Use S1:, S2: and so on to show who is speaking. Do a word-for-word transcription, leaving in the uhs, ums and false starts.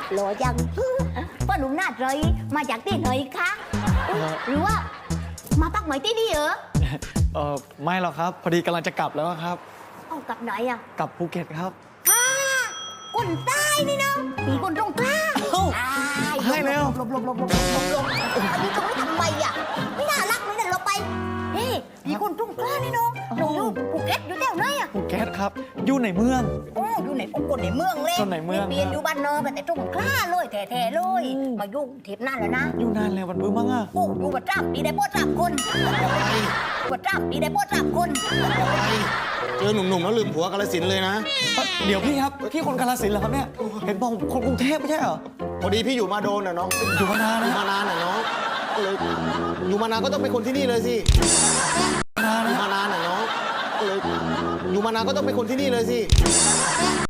S1: หล่อยังพ่อหนุ่มหน้าใจมาจากที่ไหนคะหรือว่ามาพักใหม่ที่นี่เหรอ
S2: เออไม่หรอกครับ พอดีกำลังจะกลับแล้วครับ
S1: เอากลับไหนอ่ะ
S2: กลับภูเก็ตครับ
S1: อ่าคนใต้นี่เนาะมีคนตรงกลาง
S2: เอ้า
S1: อ่า
S2: ให้แล้ว
S1: หลบหลบหลบหลบหลบหลบหลบอันนี้จะไม่ทำไมอ่ะไม่น่ารักเลยเนี่ยเราไปเฮ้ยมีคนตรงกลางนี่เนาะหนูอยู่ภูเก็ตอยู่แถวไหนอ่ะ
S2: ภูเก็ตครับ อยู่ในเมือง
S1: โอ้อยู่ในองค์กรในเมืองเลย
S2: คนในเมือง
S1: เปลี่ยนอยู่บ้านนอกแต่ตรงกล้าเลยแท้ๆเลย
S2: อืม
S1: มายุ่งทิพย์นั่นแล้วนะ
S2: อยู่นานแล้ววันเบื่อมั้งอ่ะ
S1: โอ้อยู่ประจำปีได้โปรดสามคนประจำปีได้โปรดสามคน
S3: เจอหนุ่มๆแล้วลืมผัวกาลสินธุ์เลยนะ
S2: เอ้ยเดี๋ยวพี่ครับ พี่คนกาฬสินธุ์เหรอครับเนี่ย เห็นบอกคนกรุงเทพไม่ใช่เหรอ
S3: พอดีพี่อยู่มาโดนอ่ะน้อง
S2: อยู่มานาน
S3: อยู่
S2: นะ
S3: มานานอ่ะน้องก็เลยอยู่มานานก็ต้องเป็นคนที่นี่เลยสิ
S2: นาน
S3: อยู่
S2: นะ
S3: มานานอ่ะน้องก็เลยอยู่มานานก็ต้องเป็นคนที่นี่เลยสิ